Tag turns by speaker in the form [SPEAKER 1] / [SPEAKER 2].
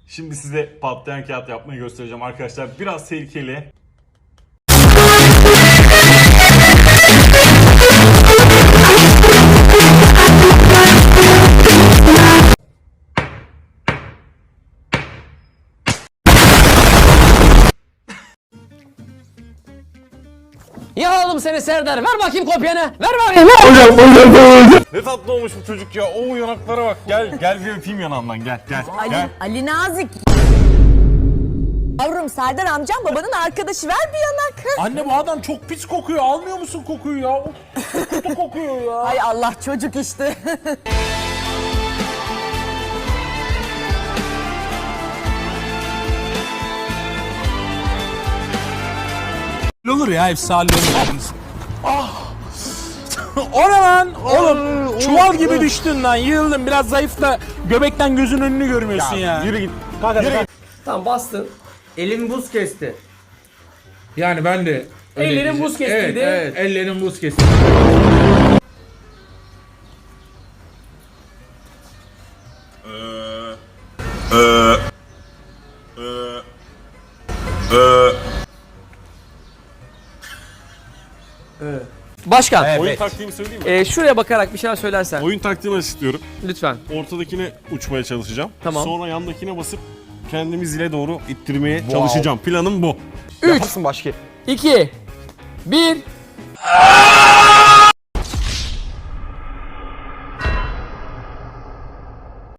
[SPEAKER 1] Şimdi size patlayan kağıt yapmayı göstereceğim arkadaşlar. Biraz tehlikeli.
[SPEAKER 2] Ya oğlum seni Serdar, ver bakayım kopyanı. Ver bakayım.
[SPEAKER 1] Ne tatlı olmuş bu çocuk ya. O yanaklara bak. Gel bir öpeyim yanağından. Gel.
[SPEAKER 3] Ali Nazik. Yavrum Serdar amcam babanın arkadaşı, ver bir yanak.
[SPEAKER 4] Anne bu adam çok pis kokuyor. Almıyor musun kokuyu ya? Kötü kokuyor ya.
[SPEAKER 3] Hay Allah, çocuk işte.
[SPEAKER 4] Olur ya, efsane olur. O ne lan? Oğlum çuval gibi düştün lan. Yığıldın, biraz zayıfla. Göbekten gözün önünü görmüyorsun ya.
[SPEAKER 1] Yürü git.
[SPEAKER 2] Tamam bastın. Elim buz kesti.
[SPEAKER 4] Yani ben de öyle
[SPEAKER 2] Ellerin
[SPEAKER 4] diyeceğim.
[SPEAKER 2] buz kestirdi.
[SPEAKER 4] Evet, ellerin buz kestirdi.
[SPEAKER 2] Başkan,
[SPEAKER 1] Oyun taktiğimi söyleyeyim mi?
[SPEAKER 2] şuraya bakarak bir şeyler söylersen.
[SPEAKER 1] Oyun taktiğimi istiyorum.
[SPEAKER 2] Lütfen.
[SPEAKER 1] Ortadakine uçmaya çalışacağım.
[SPEAKER 2] Tamam.
[SPEAKER 1] Sonra yandakine basıp kendimi zile doğru ittirmeye çalışacağım. Planım bu.
[SPEAKER 2] 3, 2, 1.